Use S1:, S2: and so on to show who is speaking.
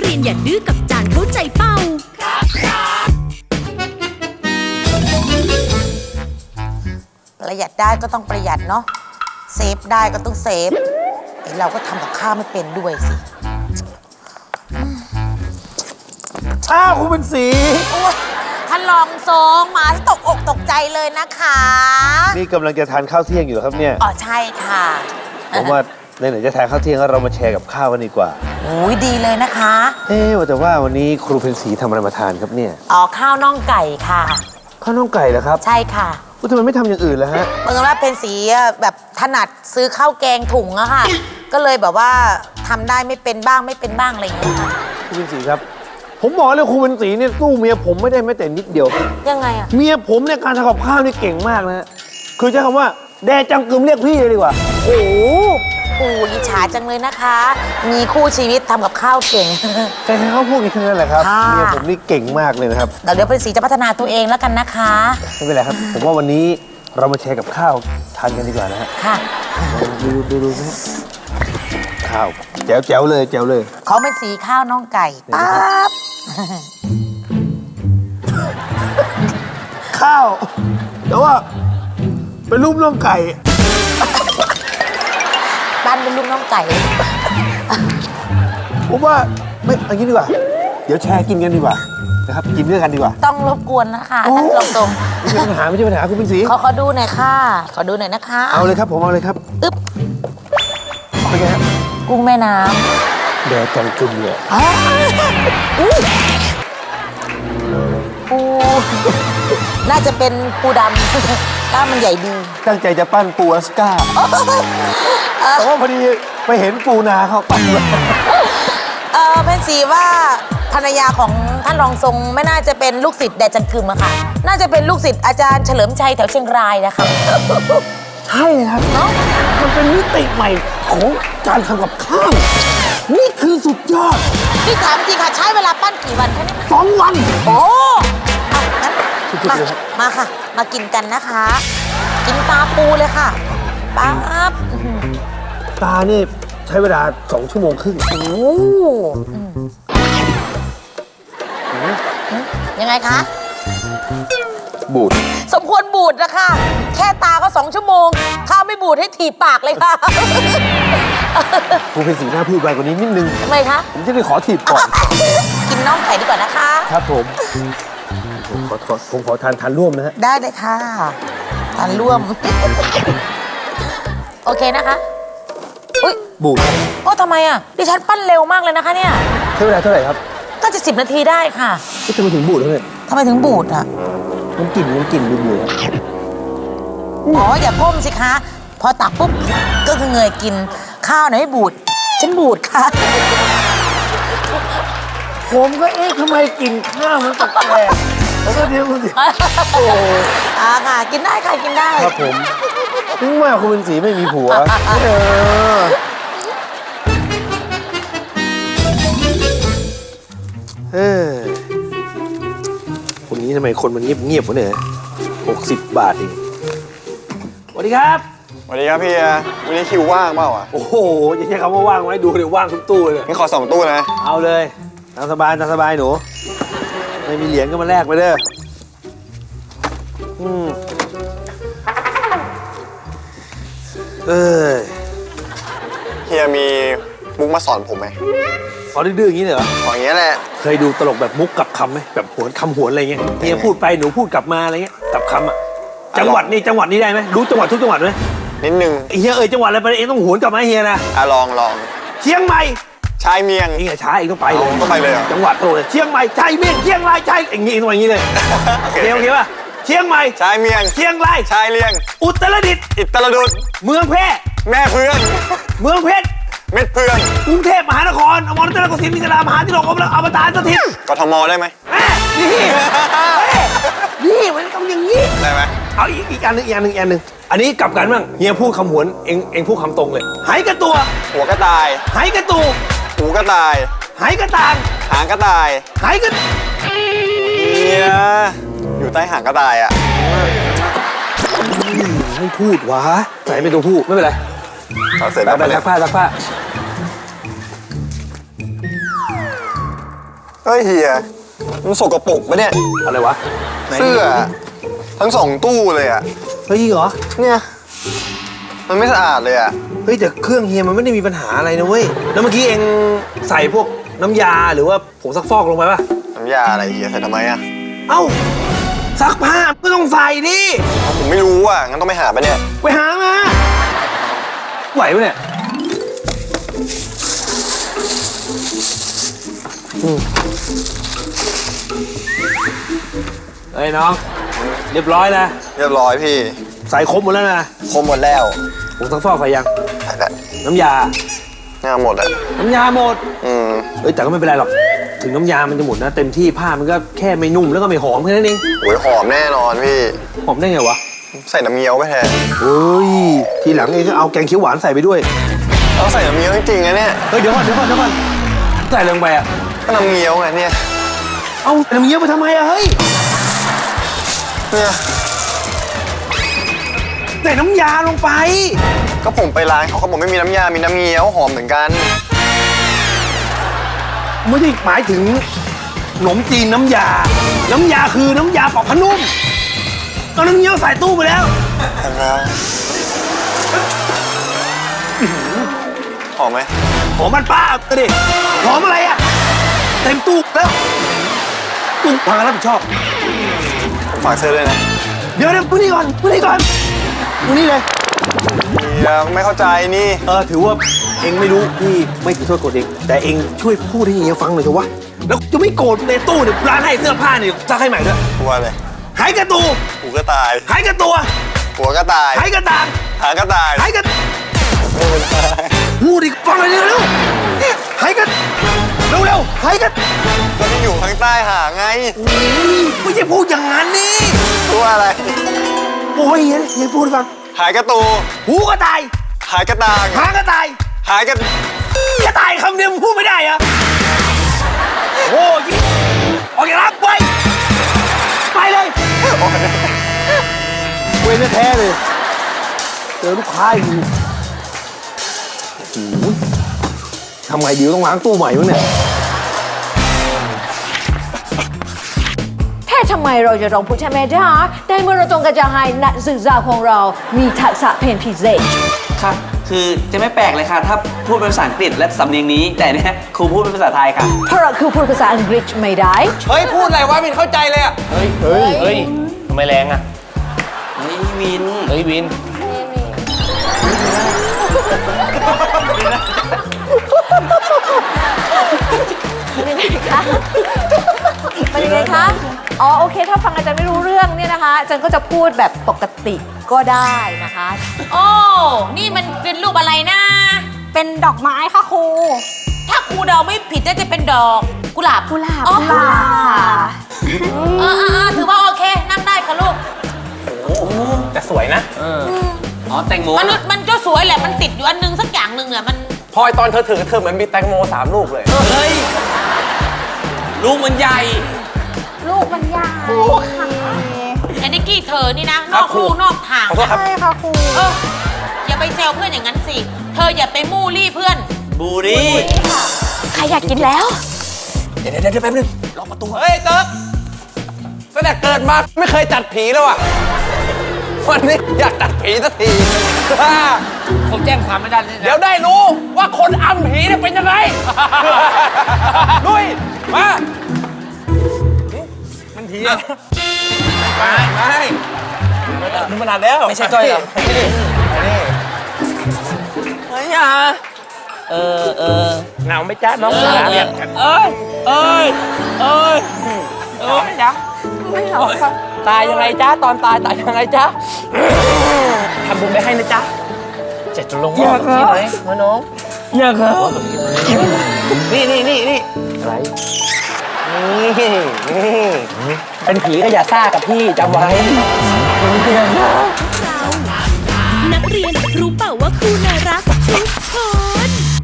S1: เรียนอย่าดื้อกับจานเข้าใจเป้า
S2: ประหยัดได้ก็ต้องประหยัดเนาะเซฟได้ก็ต้องเซฟเราก็ทำกับข้าวไม่เป็นด้วยสิ
S3: อ้าวคุณเป็นสี
S2: ท่านรองทรงมาที่ตกอกตกใจเลยนะคะ
S3: นี่กำลังจะทานข้าวเที่ยงอยู่ครับเนี่ย
S2: อ๋อใช่ค่ะ
S3: ผมว่าไหนๆจะทานข้าวเที่ยงแล้วเรามาแชร์กับข้าวกันดีกว่า
S2: โอ้ยดีเลยนะคะ
S3: แต่ว่าวันนี้ครูเป็นสีทำอะไรมาทานครับเนี่ย
S2: อ๋อข้าวน่องไก่ค่ะ
S3: ข้าวน่องไก่เหรอครับ
S2: ใช่ค่ะ
S3: ทำไมไม่ทำอย่างอื่นล่ะฮะ
S2: เมื่อว่าเป็นสีแบบถนัดซื้อข้าวแกงถุงอะค่ะก็เลยแบบว่าทำได้ไม่เป็นบ้างไม่เป็นบ้างอะไรอย่างเงี้ยค่ะ
S3: ครูเป็นสีครับผมบอกเลยครูเป็นสีเนี่ยสู้เมียผมไม่ได้แม้แต่นิดเดียว
S2: ยังไงอะ
S3: เมียผมเนี่ยการทำกับข้าวนี่เก่งมากนะคือใช้คำว่าแดจังกึมเรียกพี่เลยดีกว่า
S2: โอ้โหอิจฉาจังเลยนะคะมีคู่ชีวิตทำกับข้าวเก่ง
S3: ใครๆเขาพูดกันทั้งนั้นแหละครับเมียผมนี่เก่งมากเลยนะครับ
S2: เดี๋ยวเป็นสีจะพัฒนาตัวเองแล้วกันนะคะ
S3: ไม่เป็นไรครับผมว่าวันนี้เรามาแชร์กับข้าวทานกันดีกว่านะฮะ
S2: ค่ะ
S3: ดูนะข้าวแจ๋วเลยแจ๋วเลย
S2: เขาเป็นสีข้าวน่องไก่ปั๊บ
S3: ข้าวแต่ว่าเป็นรูปน่องไก่
S2: บ้านเป็นรูปน่องไก่
S3: ผมว่าไม่อันนี้ดีกว่าเดี๋ยวแชร์กินกันดีกว่านะครับกินด้วยกันดีกว่า
S2: ต้องรบกวนนะคะท่านรองทรง
S3: ไม่ใช่ปัญหาคุณเป็นสี
S2: ขอดูหน่อยค่ะขอดูหน่อยนะคะ
S3: เอาเลยครับผมเอาเลยครับ
S2: อึ๊บ
S3: เป็นไงฮะ
S2: กุ้งแม่น้ำ
S3: แดดจังกึมเลย
S2: ปูน่าจะเป็นปูดำกล้ามมันใหญ่ดี
S3: ตั้งใจจะปั้นปูอลาสก้าแต่ว่าพอดีไปเห็นปูนาเขาปั้น
S2: เป็นสีว่าภรรยาของท่านรองทรงไม่น่าจะเป็นลูกศิษย์แดดจังกึมอะค่ะน่าจะเป็นลูกศิษย์อาจารย์เฉลิมชัยแถวเชียงรายนะคะ
S3: ใช่ครับเนาะมันเป็นมิติใหม่ของการทำกับข้าวนี่คือสุดยอด
S2: พี่ถามจริงค่ะใช้เวลาปั้นกี่วันคะเนี่ย
S3: 2 วัน
S2: โอ้งั้นมาค่ะมากินกันนะคะกินตาปูเลยค่ะปั๊บ
S3: ตานี่ใช้เวลา2 ชั่วโมงครึ่ง
S2: โอ้ยังไงคะ
S3: บูด
S2: สมควรบูดนะคะแค่ตาก็2 ชั่วโมงข้าวไม่บูดให้ถีบปากเลยค่ะ
S3: ครูเป็นสีหน้าพูดไวกว่านี้นิดนึง
S2: ทำไมคะ
S3: ผมจะได้ขอถีบก่อน
S2: กินน่องไก่ดีกว่านะคะ
S3: ครับผมขอทานร่วมนะฮะ
S2: ได้เลยค่ะทานร่วมโอเคนะคะอุ้ย
S3: บูด
S2: โอ้ทำไมอ่ะดิฉันปั้นเร็วมากเลยนะคะเนี่ย
S3: ใช้เวลาเท่าไหร่ครับ
S2: ก็จะ10 นาทีได้ค่ะ
S3: ทำไมถึงบูดแล้วเนี่ย
S2: ทำไมถึงบูดอ่ะ
S3: มันกลิ่นบูด
S2: อ๋ออย่าก้มสิคะพอตักปุ๊บก็คือเงยกินข้าวไหนไม่บูดฉันบูดค่ะ
S3: ผมก็ทำไมกินข้าวมันแปลกๆแล้วก็เดี๋ยวคุณสิโอ้
S2: ค่ะกินได้ค่ะกินได้
S3: ครับผมถึงว่าคุณเป็นสีไม่มีผัวคนนี้ทำไมคนมันเงียบๆวะเนี่ย60 บาทเองสวัสดีครับ
S4: สวัสดีครับพี่วันนี้คิวว่างเปล่า
S3: โอ้โหอย่าใช้คำว่าว่างไว้ดูเดี๋ยวว่างทุกตู้เลย
S4: นี่ขอ2 ตู้นะ
S3: เอาเลยตามสบายหนูไม่มีเหรียญก็มาแลกไปเด้อ
S4: เฮียมีมุกมาสอนผมไหม
S3: สอนดื้อๆอย่างนี้เหรอ
S4: สอนอย่างนี้แหละ
S3: เคยดูตลกแบบมุกกับคำไหมแบบหวนคำหวนอะไรเงี้ยเฮียพูดไปหนูพูดกลับมาอะไรเงี้ยกับคำอ่ะจังหวัดนี้ได้ไหมรู้จังหวัดทุกจังหวัดไหม
S4: นิดนึง
S3: เฮียจังหวัดอะไรไปเองต้องหวนกลับมาเฮียนะ
S4: ลอง
S3: เชียงใหม่
S4: ชายเมียง
S3: เองช้าเองต้องไปเลยจังหวัดโตเลยเชียงใหม่ชายเมียงเชียงรายชายอย่างงี้อย่างงี้เลยโอเคป่ะเชียงใหม่
S4: ชายเมียง
S3: เชียงราย
S4: ชายเลียง
S3: อุตรดิตถ์
S4: อิตรดุษ
S3: เมืองแพร่
S4: แม่เพื่อน
S3: เมืองเพชร
S4: เม็ดเพื่อน
S3: กรุงเทพมหานครอมรรัตนโกสินทร์มิตรามหาธิโรกอมตะสถิต
S4: กทมได้ไหม
S3: นี่มันต้องอย่างนี้
S4: ได้ไหม
S3: เอาอีกอันหนึ่งอันนี้กลับกันบ้างเฮียพูดคำหวนเองพูดคำตรงเลยหายกระตัว
S4: หัวกระต่าย
S3: หายกระตู
S4: หูกระต่าย
S3: หายกระต่าง
S4: หางกระต่าย
S3: หายกระ
S4: เฮียอยู่ใต้หางกระต่ายอ่ะ
S3: ไม่พูดวะใส่เป็นตัวพูดไม่เป็นไร
S4: เอาเสร็จแล้วไป
S3: ซักผ้า
S4: เฮ้ยเฮียมันสกปรกปะเนี่ย
S3: อะไรวะไหน
S4: เสื้อทั้ง2 ตู้เลยอะ
S3: เฮ้ยเหรอ
S4: เนี่ยมันไม่สะอาดเลยอะ
S3: เฮ้ยแต่เครื่องเฮียมันไม่ได้มีปัญหาอะไรนะเว้ยแล้วเมื่อกี้เองใส่พวกน้ำยาหรือว่าผงซักฟอกลงไปป่ะ
S4: น้ำยาอะไรเฮียใส่ทำไมอะ
S3: เอ้าซักผ้าก็ต้องใส่ดิ
S4: ผมไม่รู้อะงั้นต้องไปหาปะเนี่ย
S3: ไปหามาไหวปะเนี่ยเฮ้ยน้องเรียบร้อยนะ
S4: เรียบร้อยพี่
S3: ใส่ครบหมดแล้วนะ
S4: ครบหมดแล้ว
S3: ผงซักฟอกใส่ยัง
S4: ใส่แล้ว
S3: น้ำยา
S4: งานหมดอะ
S3: น้ำยาหมด
S4: อืม
S3: เอ้ยแต่ก็ไม่เป็นไรหรอกถึงน้ำยามันจะหมดนะเต็มที่ผ้ามันก็แค่ไม่นุ่มแล้วก็ไม่หอมแค่นั้นเอง
S4: โอ้ยหอมแน่นอนพี่
S3: หอมได้ไงวะ
S4: ใส่น้ำเงี้ยวไปแทน
S3: เฮ้ยทีหลังเองก็เอาแกงเขียวหวานใส่ไปด้วย
S4: เอาใส่น้ำเงี้ยวจริงๆนะเนี่ย
S3: เฮ้ยเดี๋ยวก่อนใส่ลงไปอ่ะ
S4: ก็น้ำเงี้ยวไงเนี่ย
S3: เอาน้ำเงี้ยวไปทำไมอะเฮ้ย
S4: เนี่ย
S3: ใส่น้ำยาลงไป
S4: ก็ผมไปร้านเขาบอกไม่มีน้ำยา มีน้ำเงี้ยวหอมเหมือนกัน
S3: ไม่ได้หมายถึงขนมจีนน้ำยา น้ำยาคือน้ำยาปอกผ้านุ่มเอาน้ำเงี้ยวใส่ตู้ไปแล้ว
S4: หอมไหม
S3: หอมมันป้าดิหอมอะไรอะเต็มตู้แล้วตู้วางรับผิดชอบ
S4: ผมฝากซื้อเลยนะ
S3: เดี๋ยวพูดนี่ก่อนพูดนี่เลย
S4: เดี๋ยวไม่เข้าใจนี่
S3: ถือว่าเองไม่รู้พี่ไม่ถือโทษโกรธเองแต่เองช่วยพูดให้เฮียฟังหน่อยเถอะวะแล้วจะไม่โกรธในตู้เนี่ยร้านให้เสื้อผ้าเนี่ยซักให้ใหม่ด้วย
S4: หัวอะไร
S3: หายกระตู
S4: หูก็ตาย
S3: หายกระตัว
S4: หัวก็ตาย
S3: หายกระตาง
S4: หางก็ตาย
S3: หายกระพูดอีกฟังเลยเร็วๆเนี่ยหายกระเร็วหายกระ
S4: ก็ที่อยู่ข้างใต้หางไง
S3: ไม่ใช่พูดอย่างนั้นนี่
S4: ตัวอะไร
S3: โอ้ยเฮียพูดให้ฟัง
S4: หายกระตู
S3: หูก็ตาย
S4: หายกระตาง
S3: หางก็ตาย
S4: หายกระ
S3: จะตายคำเดียวมึงพูดไม่ได้เหรอะโอ้ยออกจากร้านไปเลยเวรแท้ๆเลยเจอลูกค้าอยู่โอ้โหทำไงดีต้องล้างตู้ใหม่มั้งเนี่ย
S5: แค่ทำไมเราจะต้องพูดใช่ไหมจ๊ะได้เมื่อเราต้องการจะให้นักศึกษาของเรามีทักษะเพนพิเศษ
S6: ค่ะ คือจะไม่แปลกเลยค่ะ ถ้าพูดเป็นภาษาอังกฤษและสำเนียงนี้ แต่เนี่ยครูพูดเป็นภาษาไทยค่ะ
S5: เพราะเราคือพูดภาษาอังกฤษไม่ได้
S6: เฮ้ย พูดอะไรวะมินเข้าใจเลยอ่ะ
S7: เฮ้ย ทำไมแรงอ่ะ
S6: เฮ้ยวิน
S7: เฮ้ย วิน
S5: เป็นยังไงคะเป็นยังไงคะ อ๋อโอเค ถ้าฟังอาจารย์ไม่รู้เรื่องเนี่ยนะคะอาจารย์ก็จะพูดแบบปกติก็ได้นะคะ
S2: โอ้ นี่มันเป็นรูปอะไรนะ
S5: เป็นดอกไม้ค่ะครู
S2: ถ้าครูเดาไม่ผิดน่าจะเป็นดอกกุหลาบ
S5: กุหลาบ
S2: อ๋อ
S5: กุหลาบ
S2: ถือว่าโอเค นั่งได้ค่ะลูก
S7: แต่สวยนะ
S6: อ๋อ แตงโม
S2: มันก็สวยแหละ มันติดอยู่อันนึงสักอย่างหนึ่งเนี่ยมัน
S7: พอยตอนเธอถือเธอเหมือนมีแตงโม3 ลูกเลย
S6: เฮ้ย ลูกมันใหญ่
S5: ลูกมันยาว
S2: ไอ้นิกกี้เธอนี่นะ นอกลู่นอกทาง
S7: ขอโทษครับ
S5: ใช่ค่ะครู
S2: อย่าไปแซวเพื่อนอย่างนั้นสิ เธออย่าไปมู่ลี่เพื่อน
S6: บูรี่
S5: ใครอยากกินแล้ว
S7: เดี๋ยวแป๊บนึงล็อกประตู เฮ้ยเติร์กตั้งแต่เกิดมาไม่เคยจัดผีแล้วอ่ะ วันนี้อยากจัดผีสักที
S6: ผมแจ้งความไม่ได้เลย
S7: เดี๋ยวได้รู้ว่าคนอำผีเนี่ยเป็นยังไง ลุย มา มันผีอะไม่นึกมานานแล้ว
S6: ไม่ใช่ก้อยเหรอ
S7: เฮ้ยอ่ะเหงาไหมจ๊ะน้องสาวเนี่ย
S6: เอ้ยจ๊ะ
S5: ไม่เหรอคะ
S7: ตายยังไงจ๊ะ ตอนตายยังไงจ๊ะ ทำบุญไปให้นะจ๊ะเจ็ดจะลงว่าแบบนี้ไหมน้อง
S6: อยากครับ
S7: นี่อะไร นี่เป็นผีก็อย่าซ่ากับพี่จำไว้
S1: นักเรียนรู้เปล่าว่าครูน่ารักทุกคน